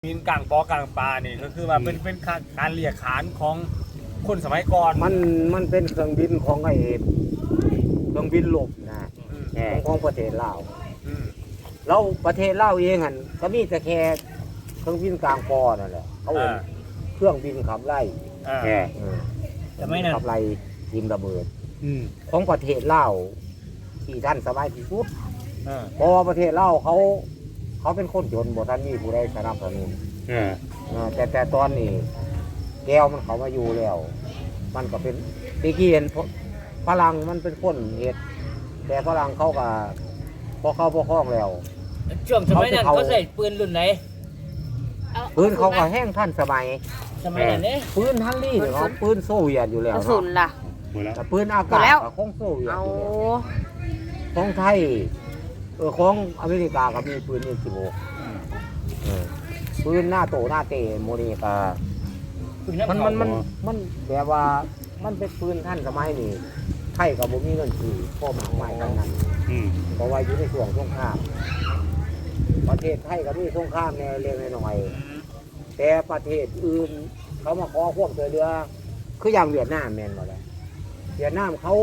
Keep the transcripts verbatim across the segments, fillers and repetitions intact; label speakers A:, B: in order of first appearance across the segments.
A: บินกลางปอกลางปลานี่ก็คือว่าเป็นเป็นการเรียกขานของคนสมัยก่อน
B: มันมันเป็นเครื่องบินของไอ้เครื่องบินลบนะของประเทศลาวแล้วประเทศลาวเองหันก็มีแต่แค่เครื่องบินกลางปอนั่นแหละเขาเป็นเครื่องบินขับไล่แค่
C: แต่ไม่นั่น
B: ขับไล่ยิงระเบิดของประเทศลาวที่ท่านสบายที่สุดเพราะว่าประเทศลาวเขาเขาเป็นคนจนบ่ท่านมีผู้ใดสนับสนุนแต่แต่ตอนนี้แก้วมันเขามาอยู่แล้วมันก็เป็นตะกี้เห็นฝรั่งมันเป็นคนเฮ็ดแต่ฝรั่งเขาก็พอเข้าพอคล้องแล้ว
C: ช่วงสมัยนั้นเขาใส่ปืนรุ่นไหน
B: ปืนเขาก็แห้งท่านสมัย
C: สมัยนั้นเนี่ย
B: ปืนฮันลี่เขาปืนโซเวียตอยู่แล้ว
D: กระสุนล่ะ
B: แต่ปืนอากาศของโซเวียตอยู่แล้วของไทยเออของอเมริกาก็มีปืนเอ็มสิบหกปืนหน้าโตหน้าเตะโมนิกามันมันมันมันแบบว่ามันเป็นปืนท่านสมัยนี้ไทยกับบ่มีเงินซื้อพ่อหมากไม้ทั้งนั้นเพราะว่าอยู่ในช่วงสงครามประเทศไทยก็มีสงครามในเล็กๆน้อยๆแต่ประเทศอื่นเขามาขอควบช่วยเหลือคืออย่างเวียดนามแม่นบ่ล่ะเวียดนามเขา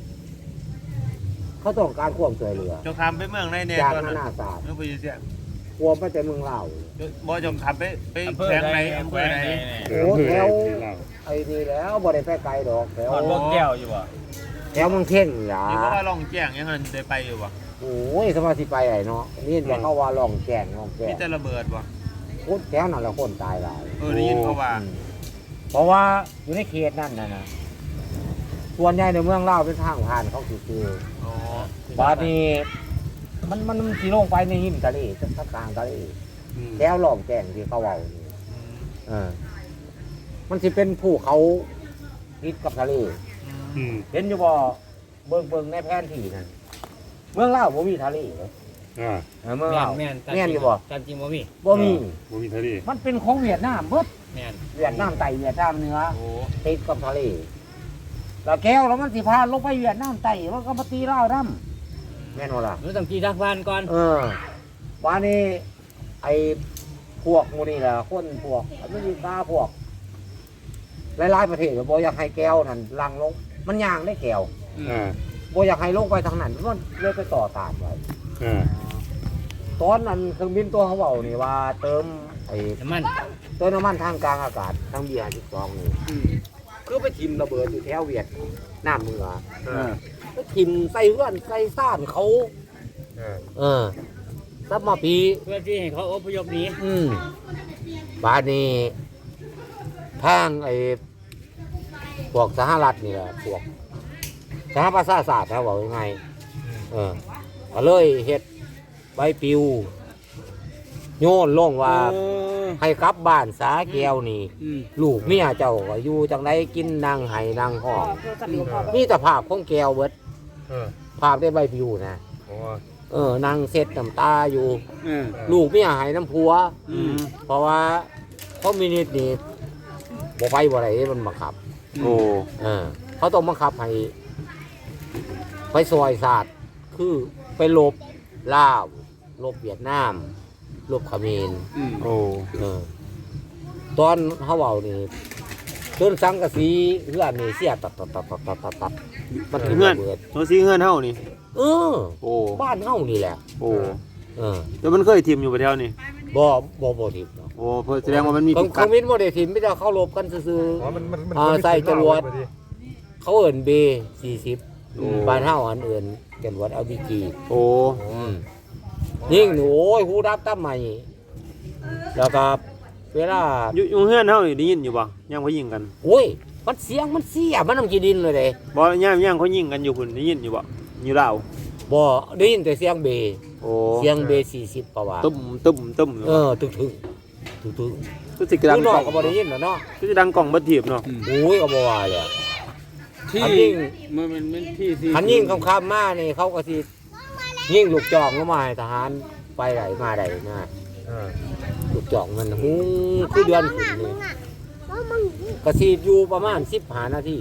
B: เขาต้องการควบช่วยเหลือ
A: จงทำไปเมืองในเนี่ย
B: จากนานาศาสตร์
A: เมืองไปอยู่เสีย
B: ควบไปแต่เมืองลาว
A: บ่จงทำไปไปแขวงในอำเภอไหน
B: โอ้แถวไอ้นี่แล้วบ่ได้ไปไกลดอกแถว
A: บ่แก้วอยู่บ่
B: แถวเมืองเท่งล่ะ
A: นี่ก็ว่าล่องแจ้งยังงั้นได้ไปอยู่บ่
B: โอ้ยสมาธิไปไอ้เนาะนี่จะเข้าว่าล่องแจ้งล่องแจ้ง
A: มีแต่ระเบิดบ่
B: โคตรแถวนั้นละคนตายหลาย
A: เออได้ยินเขาว่า
B: เพราะว่าอยู่ในเขตนั่นน่ะนะส่วนใหญ่ในเมืองลาวเป็นทางผ่านเขาคือๆอ๋อบาดนี้มันมันสิลงไปในหิมทะเลทางกลางทะเลแถวล่องแจ้งที่เขาเว้านี่เออมันสิเป็นภูเขาติดกับทะเลเห็นอยู่บ่เบิ่งเบิ่งในแผนที่นั่นเมืองลาวบ่มีทะเลเลย
C: อ่า
B: เมืองลาว
C: แม่น
B: แม่นอยู่บ่
C: ตามจริงบ่มี
B: บ่มี
C: บ่มีทะเล
B: มันเป็นของเวียดนามเบิด
C: แม่น
B: เวียดนามใต้เวียดนามเหนือติดกับทะเลแล้วแก้วแล้วมันสิพาลงไปเวียดนามใต้มันก็มาตีลาวนำแม่นบ่ล่ะ
C: มันต้องกี่ทางผ่านก่อน
B: เออว่านี่ไอ้พวกหมู่นี่ล่ะคนพวกอเมริกาพวกหลายๆประเทศบ่อยากให้แก้วนั่นลังลงมันย่างได้แก้วอ่าบ่อยากให้ลงไปทางนั้นมันเลยไปต่อตามไว้อ่าตอนนั้นเครื่องบินตัวเขาเว้านี่ว่าเติมไอ้
C: น้ำมัน
B: เติมน้ำมันทางกลางอากาศทางเบียร์สิบสองนี่คือไปทิ่มระเบิดอยู่แถวเวียดนามเหนือเออไปทิ่มใส่เฮือนใส่ซ่านเขาเออเออซับมาปี
C: เพื่อที่ให้เขาอพยพหนี
B: อืมบาดนี้ทางไอ้พวกสหรัฐนี่แหละพวกสหประชาชาติเขาบอกยังไงเออก็เลยเฮ็ดใบปลิวโยนลงว่าให้กลับบ้านสาแก้วนี่ลูกเมียเจ้าก็อยู่จังไดกินนางไห้นางห้องนี่แต่ภาพของแก้วเบิดภาพได้ใบปลิวนะเออนางเซ็ดน้ำตาอยู่ลูกเมียไห้น้ำผัวเพราะว่าคอมมิวนิสต์นี่บ่ไปบ่ได้มันบังคับโอ้เออเขาต้องบังคับให้ไปซอยศาสตร์คือไปลบลาวลบเวียดนามลบเขมรโอ้เออตอนเขาเว้านี่จนสังกะสีเฮือนนี่เสียตัดตัดตัดตัดตัดตัด
A: มันเฮือนตัวสีเฮือนเฮานี่
B: เออโอ้บ้านเฮานี่แหละ
A: โอ้
B: เออ
A: แต่มันเคยทิ่มอยู่ประเทศนี่
B: บ่บ่บ่ทิ่ม
A: โอ้แสดงว่ามันมี
B: คอมมิวนิสต์บ่ได้ทิ่มไม่ได้เข้ารบกันซื่อๆอ๋อมันมันอ่าใส่จรวดเขาเอิ้น เบ สี่สิบบ้านเฮาอันอื่นจรวด แอล บี จี โอ้ยิงโอ้ยฮู้รับตามใหม่แล้วก็เวลา
A: อยู่เฮือนเฮานี่ได้ยินอยู่บ่ยังเขายิงกัน
B: โอ้ยมันเสียงมันเสียมันนำกี่ดินเลยเด้
A: บ่ย่ามๆเขายิงกันอยู่พุ่นได้ยินอยู่บ่อยู่ลาว
B: บ่ได้ยินแต่เสียงเบโอ้เสียงเบสี่สิบประว่า
A: ตุ้มตุ้มตุ้ม
B: เออตึกๆตึก
A: ๆคือสิดัง
B: กล่องก็บ่ได้ยินเนาะ
A: คือสิดังกล่องบ่ถีบเนาะ
B: โอ้ยก็บ่ว่าเลย
C: ที่มันมันมันที่ที่
B: คันยิงค่ำๆมานี่เขาก็สิยิงลูกจอกลงมาให้ทหารไปไหนมาได้มาเออลูกจอกมันฮู้คือเดือนขึ้นนี่ก็สิอยู่ประมาณสิบห้านาที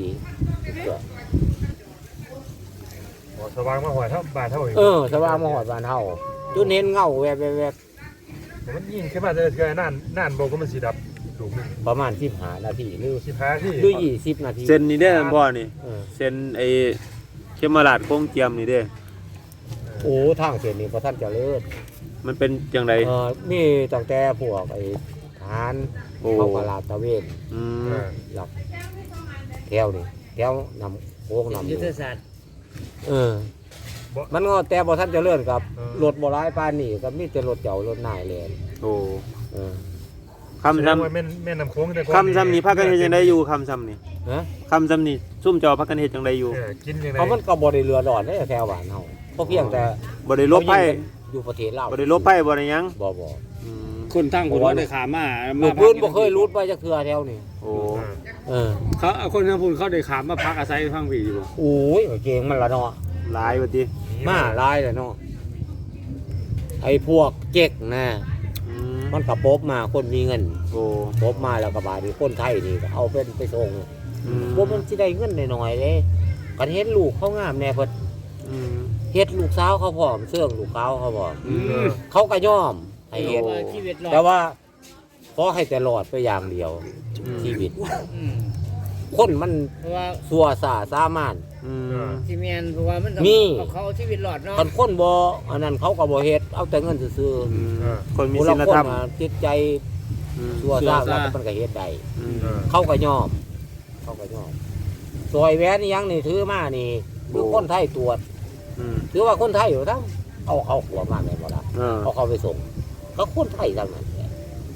A: สว่างมาหอดเท่าบาทเท่า
B: เออสว่างมาหอดบานเท่าจนเห็นเงาแวบแวบ
D: มันยิงขึ้นมาจะเทือนานนานบอกก็มันสีดับลูกนึง
B: ประมาณสิบห้านาทีหรือ
D: สิบห้าที่
B: หรือยี่สิบนาที
C: เส้นนี่ได้อพ่อนี่
B: เออ
C: เส้นไอ้เขมราชโค้งเจียมนี่เด้อ
B: โอ้ทางเส้นนี้พอท่านเจะเลิศ
C: มันเป็นจังได
B: เออมีตั้งแต่พวกไอ้ทหาร
C: โอ้
B: เขากลาดตระเวน
C: อืม
B: หลักแถวนี่แถวนำโค้งนำอ
C: ยุ
B: ยู่
C: ทธศาสตร์
B: เออ มันก็แต่บ่ท่านเจะเลิศกับรถบ่ร้ายปานนี่ก็มีแต่รถเจ้ารถนายแลน
C: โอ้
B: เออ
C: คำ
D: ซ้ำ
C: ซ้ำ
D: แม่แม่นำโค้งแต่
C: คำซ้ำนี่พักกันเฮ็ดจังไดอยู่คำซ้ำนี่
B: ฮะ
C: คำซ้ำนี่ซุ่มจอพักกันเฮ็ดจังไดอยู่
D: กินยังไง
B: เพราะมันก็บ่ได้เรือดอนได้แถวบ้านเฮาเพราะเพียงแต่
C: บ่ได้ลบไพ่
B: อยู่ประเทศลาว
C: บ่ได้ลบไพ่บ่ได้หยัง
B: บ่บ่
C: อืม
E: คนทั้งคนว่าได้ขามา
B: ลูกพื้นบ่เคยรูดไปจักเทื่อแถวนี้
C: โอ้
B: เออ
E: เขาคนทั้งพูนเขาได้ขามาพักอาศัยฟังผีอยู่บ่
B: โอ้ยเก่งมันละเนาะ
C: หลายว่าติ
B: มาหลายเลยเนาะไอ้พวกเจ๊กนะ
C: อืม
B: มันก็ปบมาคนมีเงิน
C: โอ้
B: ปบมาแล้วก็บาดนี้คนไทยนี่ก็เอาเป็นไปส่ง
C: อืม
B: บ่มันสิได้เงินน้อยๆเด้กันเฮ็ดลูกเขางามแน่เพิ่น
C: อืม
B: เฮ็ดลูกสาวเขาพร้อมเสื่องลูกสาวเขาพร้อม
C: อืม
B: เขาก็ยอมให้เฮ็ด
C: โอ้
E: ชีวิตรอด
B: แต่ว่าขอให้แต่รอดไปอย่างเดียว
C: อืม
B: ชีวิต
E: อืม
B: คนมัน
E: เพราะว่า
B: สัวสาสามารถ
C: อืม
E: ซีเมนเพราะว่ามันต้อง
B: มี
E: เอาเขาเอาชีวิตรอดเนาะ
B: คันคนบ่อันนั้นเขาก็บ่เฮ็ดเอาแต่เงินซื่อ
C: อืมคน
B: ๆ
C: มี
B: ผู้
C: ศี
B: ละ
C: ล
B: คน
C: ธรรม
B: น่ะจิตใจ
C: อืม
B: สัวซ่าแล้วมันก็เฮ็ดได้
C: อืม
B: เขาก็ยอม เขาก็ยอมซอยแหวนนี่ยังนี่ถือมานี่คือคนไทยตรวจ
C: อืม
B: ถือว่าคนไทยอยู่ทั้งเอาเขาขัวมาแม่นบ่ล่ะ
C: เออ
B: เอาเขาไปส่งก็คนไทยทั้งนั้นแหละ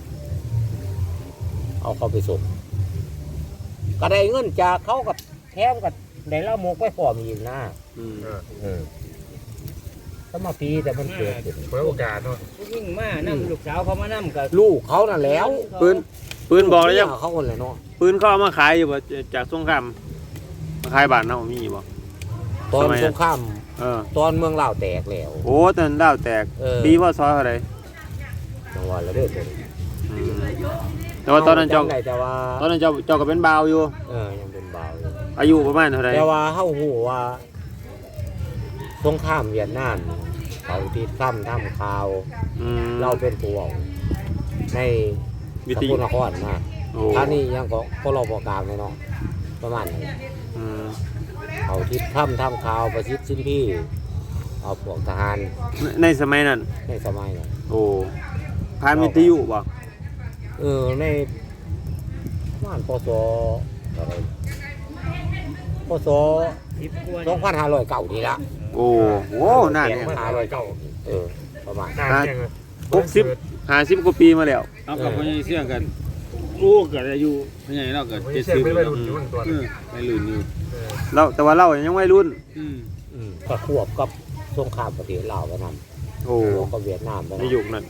B: เอาเขาไปส่งก็ได้เงินจากเขากับแถมกับได้ละหมกไปพร้อมอีกนะ
C: อืม
B: เออสมาปีแต่มันเกิดขึ้น
D: เปิดโอกาสเนาะ
E: ผู้หญิงมานํลูกสาวเขามานํกับ
B: ลูกเขานั่นแหล้ว
C: ปืนปืนบอกแล้วยัง
B: เมีเขาคนเลยเนาะ
C: ปืนเขาเอามาขายอยู่บ่จากสงครามมาขายบ้านเฮามีบ่
B: ตอน
C: สมัยนั้น
B: สงคราม
C: เออ
B: ตอนเมืองลาวแตกแล้ว
C: โอ้ตอนนั้นดาวแตก
B: เออ
C: ปีพศเท่าไหร่
B: จังหวะละเด้อตัวนี้
C: อืมแต่ว่าตอนนั้นเจ้า
B: จำได้แต่ว่า
C: ตอนนั้นเจ้าเจ้าก็เป็นบ่าวอยู่
B: เออยังเป็นเบาอยู่
C: อายุประมาณเท่าไหร่
B: แต่ว่าเฮาฮู้ว่าสงครามเวียดนามเขาที่ทำทำข่าว
C: อืม
B: เราเป็นผู้เว้าใน
C: วิ
B: ส
C: ท
B: ก
C: ยุ
B: ลนครนะ
C: โอ้
B: ท่านี้ยังก็ก็รอบอกลางเลยเนาะประมาณนี้
C: อืม
B: เขาที่ทำทำข่าวประชิดชิ้นที่เอาพวกทหาร
C: ในในสมัยนั้น
B: ในสมัยนั้น
C: โอ้ผ่านวิทยุบ่
B: เออในบ้านปศอะไรปศ
E: สิบกว่า
B: สองพันห้าร้อยเก้านี่ละ
C: โอ้โหนานเนี่ย
B: ห้าร้อยเก้าเออประมาณ
D: นานยังไง
C: หกสิบห้าสิบกว่าปีมาแล้ว
E: เอากับพ่อใหญ่เสี่ยงกันกูเกิดอายุพ่อใหญ่เราเกิด
D: ไม่
E: เจ็ด
D: ใช่
E: สิบ
D: ไม่ไปรุ่นอยู่มันตัว
E: เออไม่ลืนอยู่
C: เราแต่ว่าเรายังวัยรุ่น
E: อืม
B: อืมก็ควบกับสงครามประเทศลาวไปนำ
C: โอ้
B: ควบกับเวียดนามไป
C: ใน
B: นำ
C: ยุคนั้น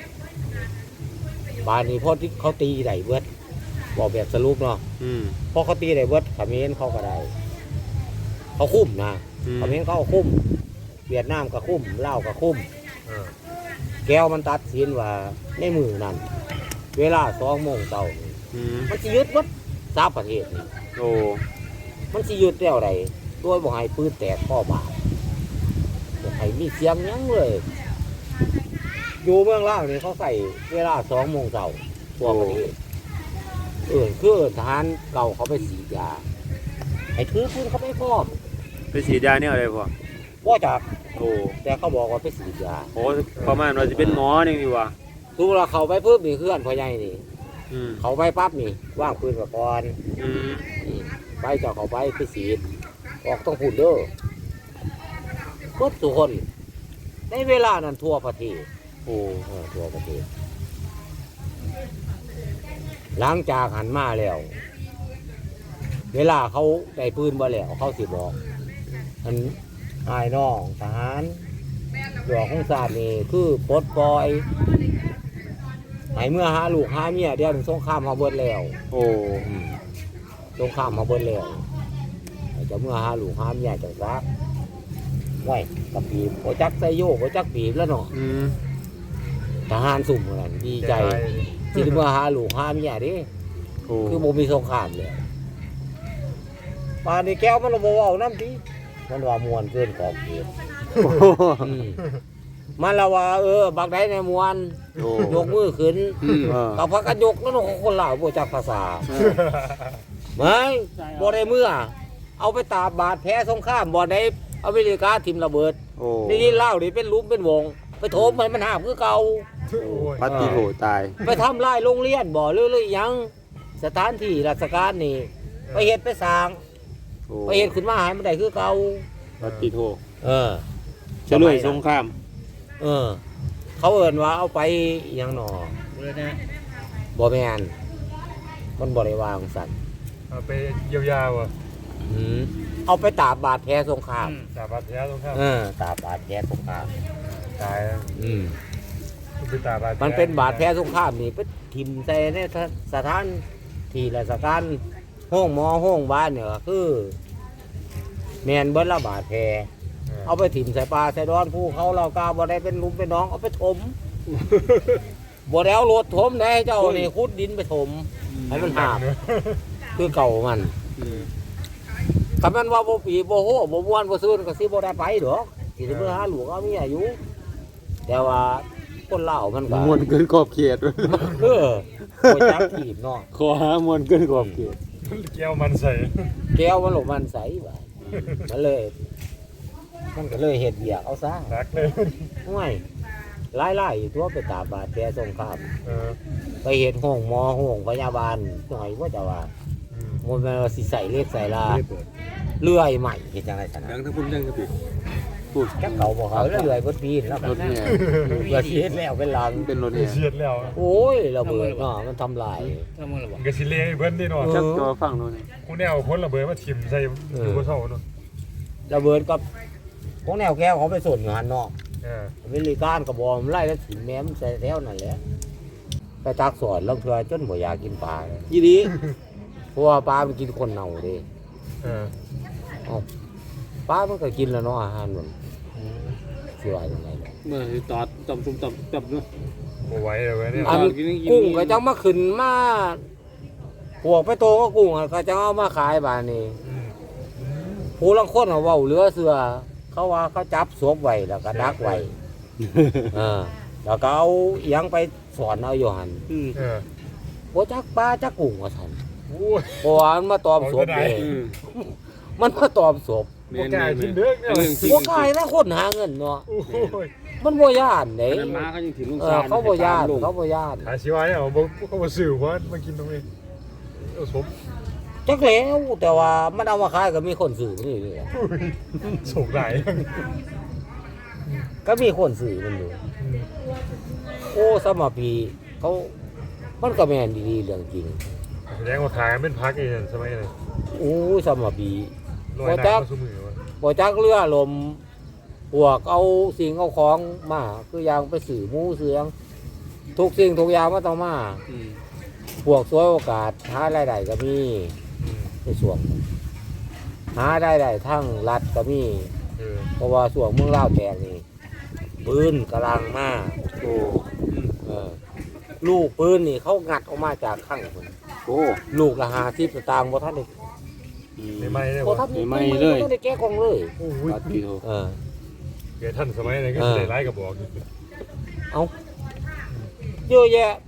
B: บ้านนี้พอที่เขาตีได้เบิดบอกแบบสรุปเนาะ
C: อืม
B: พอเขาตีได้เบิดเขมรเขาก็ได้เขาคุ้มนะ
C: อืม
B: เขมรเขาก็คุ้ม เวียดนามก็คุ้มลาวก็คุ้ม
D: เออ
B: แก้วมันตัดสินว่าในมือนั้นเวลาสองโมงเช้านี่
C: อืม
B: มันสิยึดวัดสามประเทศนี่
C: โอ้
B: มันสิยึดแล้วใดโดยบ่ให้ปืนแตกข้อบาดบ่ให้มีเสียงหยังเลย อยู่เมืองลาวนี่เขาใส่เวลาสองโมงเช้าทั่วประเทศเออคือทหารเก่าเขาไปสีดยาให้ถือปืนเขาไปพร้อม
C: ไปฉีดยาเนี่ยอะไรพ่อ
B: บ่จัก
C: โอ้
B: แต่เขาบอกว่าไปสีดยา
C: โหประมาณว่าจะเป็นหมอนี่ดีกว่า
B: ดูเราเขาไปปุ๊บนี่เคลื่อนพ่อใหญ่นี่
C: อืม
B: เขาไปปั๊บนี่ว่างปืนกับก่อน
C: อืม
B: นี่ไปเจ้าเขาไปไปสีดออกต้องพูดเด้อทุกทุกคนในเวลานั้นทั่วประเทศ
C: โอ้
B: เออทั่วประเทศ หลังจากหันมาแล้ว เวลาเขาได้ปืนมาแล้วเขาสิบอกอันอายน้องทหารหลวงของศาสตร์นี่คือปลดปล่อยให้เมื่อหาลูกหาเมียเดี๋ยวถึงสงครามมาเบิดแล้ว
C: โอ้
B: สงครามมาเบิดแล้วจะเมื่อหาลูกหาเมียจังซักไว้กับปีบโอจักไซโยกโอจักปีบแล้วเนาะ
C: อืม
B: ทหารสุ่มกันดีใจที่ได้เมื่อหาลูกหาเมียดิ
C: โอ้
B: คือบ่มีสงครามเลยป่านนี้แก้วมันบ่เว้าน้ำดิมันว่ามวนเกินขอบเขต
C: โอ้
B: อืมมันละว่าเออบักได้ในมวน
C: โอ้
B: ยกมือขึ้น
C: อืมเออ
B: กับพักกันยกแล้วน้องคนลาวบ่จักภาษาไม่บ่ได้เมื่อ เอาไปตาบาดแผลสงครามบ่ได้อเมริกาทิมระเบิด
C: โอ้
B: นี่นี่เล่านี่เป็นหลุมเป็นวง ไปโถมให้มันหาบคือเก่า
D: โอ้ย
C: ปฏิโหตาย
B: ไปทำลายโรงเรียนบ่หรือหรือหยังสถานที่ราชการนี่ ไปเฮ็ดไปสร้าง
C: โอ้
B: ไปเฮ็ดขึ้นมาให้มันได้คือเก่า
C: ปฏิโห
B: เออ
C: เฉลยสงคราม
B: เออ เขาเอิ้นว่าเอาไปอิหยังหนอ
E: เลยนะ
B: บ่แม่นมันบ่ได้วางสั่น
D: เอาไปเยียวยาวะ
B: อืมเอาไปตาบบาดแผลสงคราม
D: สาบาดแผลตรงข้าม
B: เออตาบบาดแผลสงคราม
D: ตาย
B: อืม
D: มันเป็นตาบาดแผล
B: มันเป็นบาดแผลสงครามนี่ไปทิ่มใส่ในสถานที่ราชการห้องหมอห้องบ้านเนี่ยก็คือแม่นเบิดละบาดแผลเอาไปถิ่มใส่ปลาใส่ดอนผู้เขาเรากาบ่ได้เป็นลุมเป็นน้องเอาไปถม บ่ได้เอารถถมได้เจ้านี่ขุดดินไปถมให้มันหาบ
D: เนอะ
B: คือเก่ามัน
C: อืม
B: ถ้ามันว่าบ่ปีบ่โหบ่ม่วนบ่ซื่นก็สิบ่ได้ไปดอกสิได้เมื่อหาหลวงเอาเมียอยู่ แต่ว่าคนลาวมันก็
C: มวนเกินขอบเขต
B: เออบ่จักถีบเนาะ
C: ขอหามวนเกินขอบเขต
D: แก้วมันใส่
B: แก้วมันหลงมันใสบ่มันเลย มันก็เลยเฮ็ดเวียกเอาซะ
D: รักเลย
B: ห่วยหลายๆอยู่ตัวไปตาบาดแผลสงคราม
D: เออ
B: ไปเฮ็ดห้องหมอห้องพยาบาลหน่อยว่าจะว่า
D: อืม
B: มันเป็นว่าสิใส่เล็กใส่ลาเลื่อยใหม่เฮ็ดจังได๋ซั่น
C: ดั
B: น่ะ
C: งทั้งพุ่นดังทั้งปีพูด
B: จักเขาบ่เขาแล้วเลื่อยเบิดปีนแล้ว
C: รถเนี่ย
B: เพื่อสิเฮ็ดแล้วเป็นหลัง
C: เป็นรถเนี่ย
D: เสียดแล้ว
B: โอ้ยระเบิดเนาะมันทำลาย
E: ทำมือหรอ
D: มันก็สิเละให้เพิ่นนี่เนาะ
C: จักจอฟังโน่นนี่
D: กูแนวพ้นระเบิดมาทิ่มใส่อยู่บนเสาเนาะ
B: ระเบิดกับพวกแนวแก้วเขาไปส่วนอยู่หันเนาะ
D: เออ
B: อเมริกันก็บ่มันไล่แล้วถิ่มแม่มใส่แถวนั่นแหละไปตักสอนลางเทื่อจนบ่อยากกินปลาเลย
C: ยี่ดี
B: เพราะว่าปลามันกินคนเน่าเด้
D: เออ
B: ปลามันก็กินแล้วเนาะอาหารมันสิว่าจังไดเนาะ
C: เมื่อตอดตบตุ่มตบตบด้วย
D: บ่ไหวเลยเว้ยเนี่ย
B: อันกุ้งก็จังมาขึ้นมาพวกไปโตก็กุ้งอะก็จังเอามาขายบาดนี้
D: อืม
B: ผู้ลังคนเขาเว้าเหลือเสือเขาว่าเขาจับศพไว้แล้วก็ดักไว้เออแล้วก็เอาอิหยังไปสอนเอาอยู่หั่น
C: อืม
D: เออ
B: บ่จักปลาจักกุ้งว่าซั่น
D: โอ้ย
B: เพราะว่ามันมาตอมศพเด้
C: อืม
B: มันมาตอมศพ
D: บ่กล้ากินเด้อเนี่ย
C: เรื่องจริง
B: บ่กล้านะคนหาเงินเนาะ
D: โอ้ย
B: มันบ่ย่านเด้
C: อันนั้นม้าเขายังถึงลุง
B: เอ
C: ซา
B: อน เขาบ่ย่านเขาบ่ย่าน
D: หาชีวะเนี่ยบ่เขาบ่ซื้อเพราะมากินตรงนี้เอาสม
B: จักแล้วแต่ว่ามันเอามาขายก็มีคนซื้อนี่นี่
D: โศกหลาย
B: ก็มีคนซื้อมันอยู่
D: อืม
B: โอ้สมปีเขามันก็แม่นดีๆเรื่องจริง
D: แสดงว่าขายเป็นพักเองสมัยนั้น
B: โอ้สมปี
D: ลอยน้ำมาซุมือวะ
B: บ่จักเรือลมพวกเอาสิ่งเอาของมาคืออย่างไปสื่อหมูเสืองทุกสิ่งทุกอย่างมันต้องมา
C: อืม
B: พวกสวยโอกาสหารายได้ก็มี
D: อืม
B: ในส่วนหาได้ได้ทั้งรัฐก็มี
D: เออ
B: เพราะว่าส่วนเมืองลาวแตกนี่ปืนกำลังมา
C: โอ้
B: เออลูกปืนนี่เขางัดออกมาจากข้างคน
C: โอ้
B: ลูกละหาที่สตางค์บ่ทันได้
C: อืม
D: ไม่ไม่เลย
B: บ่
D: วะ
B: ทัน
C: ไม่เลย
B: บ่ทันได้แก้กล่องเลย
D: โอ้ย
C: ปฏิโห
B: เออ
D: เกิดท่านสมัยนั้นก็
B: เออ
D: ได้ไล่กับบอกอยู่
B: เยอะแยะ